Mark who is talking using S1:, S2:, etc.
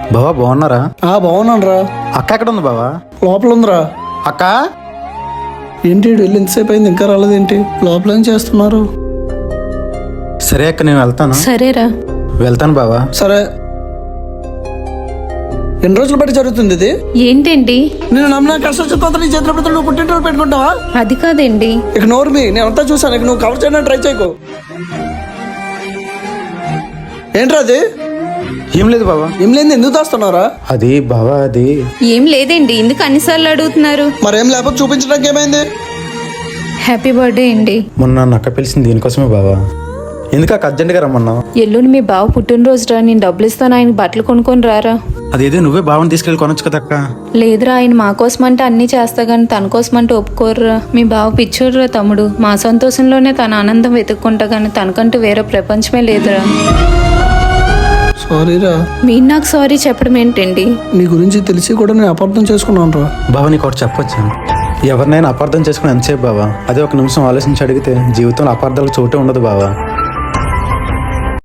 S1: బావా బాగున్నారా?
S2: బాగున్నాను రా.
S1: అక్క ఎక్కడ ఉంది బావా?
S2: లోపల ఉందిరా.
S1: అక్క
S2: ఏంటి వెళ్ళి ఎంతసేపు అయింది ఇంకా రాలేదేంటి? లోపల ఏం చేస్తున్నారు?
S1: సరే అక్క నేను వెళ్తాను.
S3: సరేరా.
S1: వెళ్తాను బావా.
S2: సరే. ఎన్ని రోజులు బట్టి జరుగుతుంది ఇది?
S3: ఏంటండి?
S2: నేను నమ్మిన కష్టం చెప్తా నీ చేతుల పెడతా నువ్వు పుట్టినరోజు పెట్టుకుంటావా?
S3: అది కాదండి.
S2: ఇక నోరు మీ నేను అంతా చూసాను. ఇక నువ్వు కవర్ చేయడానికి ట్రై చేయకు. ఏంట్రా అది?
S1: ఏం లేదు బావా.
S2: ఏం లేదు ఎందుకు దాస్తున్నారా?
S1: అది బావా అది
S3: ఏం లేదండి. ఎందుకు అన్నిసార్లు అడుగుతున్నారు?
S2: మరేం లేకపోతే చూపించడానికి ఏమైంది?
S3: హ్యాపీ బర్త్డే అండి.
S1: మొన్న నన్ను అక్క పిలిచింది దీనికోసమే బావా. ఎందుకు అక్క అర్జెంట్గా రమ్మన్నావు?
S3: ఎల్లుండి మీ బావ పుట్టినరోజు రా, నేను డబ్బులు ఇస్తాను, ఆయన బట్టలు కొనుక్కొని రారా.
S1: అదేదో నువ్వే బావని తీసుకెళ్ళి కొనొచ్చు కదా అక్క.
S3: లేదురా, ఆయన మా కోసం అంటే అన్నీ చేస్తా కానీ తన కోసం అంటే ఒప్పుకోర్రా. మీ బావ పిచ్చోడురా తమ్ముడు. మా సంతోషంలోనే తన ఆనందం వెతుక్కుంటా కానీ తనకంటూ వేరే ప్రపంచమే లేదురా.
S2: సారీరా.
S3: మీరు నాకు సారీ చెప్పడం ఏంటండి?
S2: నీ గురించి తెలిసి కూడా నేను అపార్థం చేసుకున్నాను రా.
S1: బావా నీకు ఒకటి చెప్పొచ్చు. ఎవరినైనా అపార్థం చేసుకుని ఎంతసేపు బావా? అదే ఒక నిమిషం ఆలోచించి అడిగితే జీవితంలో అపార్థాలకు చోటే ఉండదు బావా.